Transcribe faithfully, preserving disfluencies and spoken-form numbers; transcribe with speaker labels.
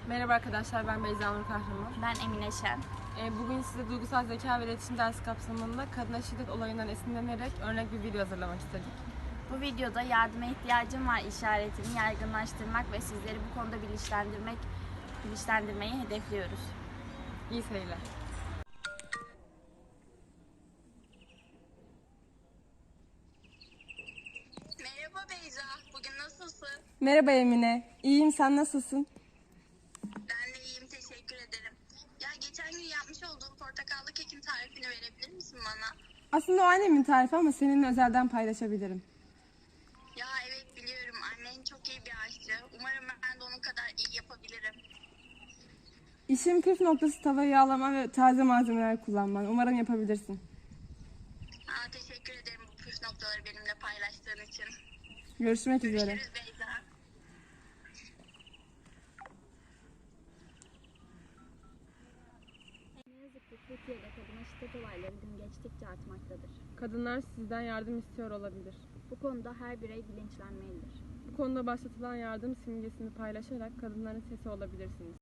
Speaker 1: Merhaba arkadaşlar, ben Beyza Nur Kahraman.
Speaker 2: Ben Emine Şen.
Speaker 1: Ee, bugün size duygusal zeka ve iletişim dersi kapsamında kadına şiddet olayından esinlenerek örnek bir video hazırlamak istedik.
Speaker 2: Bu videoda yardıma ihtiyacım var işaretini yaygınlaştırmak ve sizleri bu konuda bilinçlendirmek, bilinçlendirmeyi hedefliyoruz.
Speaker 1: İyi seyirler.
Speaker 3: Merhaba Beyza, bugün nasılsın?
Speaker 1: Merhaba Emine, iyiyim, sen nasılsın?
Speaker 3: Ben de iyiyim, teşekkür ederim. Ya geçen gün yapmış olduğum portakallı kekin tarifini verebilir misin bana?
Speaker 1: Aslında o annemin tarifi ama seninle özelden paylaşabilirim.
Speaker 3: Ya evet biliyorum, annen çok iyi bir aşçı. Umarım ben de onun kadar iyi yapabilirim.
Speaker 1: İşin püf noktası tavayı yağlama ve taze malzemeler kullanman. Umarım yapabilirsin.
Speaker 3: Aa, teşekkür ederim bu püf noktaları benimle paylaştığın için.
Speaker 1: Görüşmek üzere.
Speaker 3: Görüşürüz Beyza.
Speaker 2: Ne yazık ki Türkiye'de kadına şiddet olayları gün geçtikçe artmaktadır.
Speaker 1: Kadınlar sizden yardım istiyor olabilir.
Speaker 2: Bu konuda her birey bilinçlenmelidir.
Speaker 1: Bu konuda başlatılan yardım simgesini paylaşarak kadınların sesi olabilirsiniz.